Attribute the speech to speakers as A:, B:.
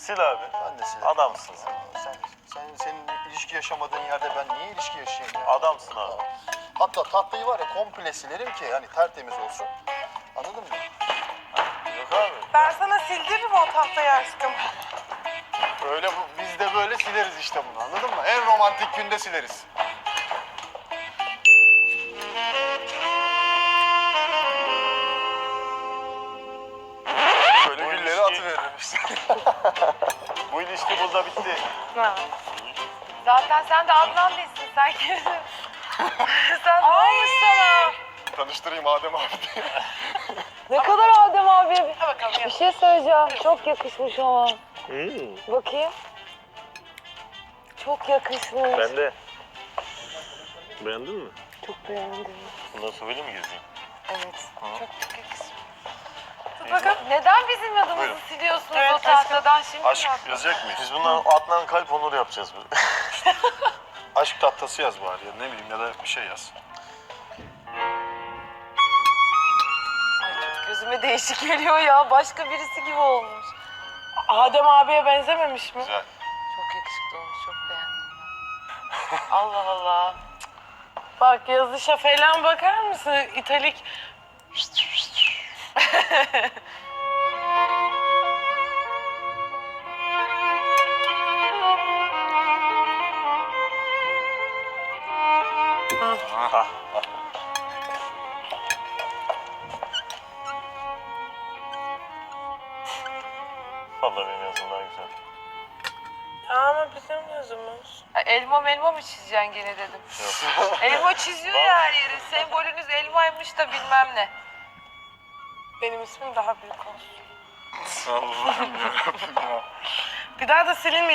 A: Sil abi.
B: Ben de silerim.
A: Adamsın sen.
B: Senin ilişki yaşamadığın yerde ben niye ilişki yaşayayım ya?
A: Adamsın abi.
B: Hatta tatlıyı var ya komple silerim ki hani tertemiz olsun. Anladın mı?
A: Yok abi.
C: Ben sana sildiririm o tahtayı aşkım.
B: Öyle biz de böyle sileriz işte bunu anladın mı? En romantik günde sileriz. Böyle
A: Bu
B: gülleri
A: ilişki-
B: atıveririm işte.
A: Bu ilişki burada bitti.
C: Ha.
D: Zaten sen de Adnan değilsin. Sen kimsin? Sen ne olmuş sana?
B: Tanıştırayım Adem abi diye.
E: Ne kadar Adem abi.
D: Ha bakalım
E: Bir
D: yap.
E: şey söyleyeceğim. Çok yakışmış ama. Bakayım. Çok yakışmış.
A: Ben de. Beğendin mi?
E: Çok beğendim.
A: Bundan sonra böyle mi gezeyim?
E: Evet.
D: Çok yakışmış.
C: Dur bakalım.
D: Neden bizim adımızı
B: Buyurun.
D: siliyorsunuz
C: Evet,
D: o tahtadan şimdi?
B: Aşk
D: mi?
B: yazacak mıyız?
A: Biz bundan Adnan Kalp Onur yapacağız.
B: Aşk tahtası yaz bari ya ne bileyim ya da bir şey yaz.
D: Ay çok gözüme değişik geliyor ya. Başka birisi gibi olmuş.
C: Adem abiye benzememiş mi?
B: Güzel.
D: Çok yakışıklı olmuş. Çok beğendim ben. Allah Allah.
C: Bak yazışa falan bakar mısın? İtalik.
A: Vallahi benim yazım daha güzel.
C: Ama bizim yazımız.
D: Ha, elma melma mı çizeceksin gene dedim. Elma çiziyor ya her yeri. Sembolünüz elmaymış da bilmem ne.
C: Benim ismim daha büyük olsun.
B: Allah'ım yarabbim ya.
C: Bir daha da silinmeyecek.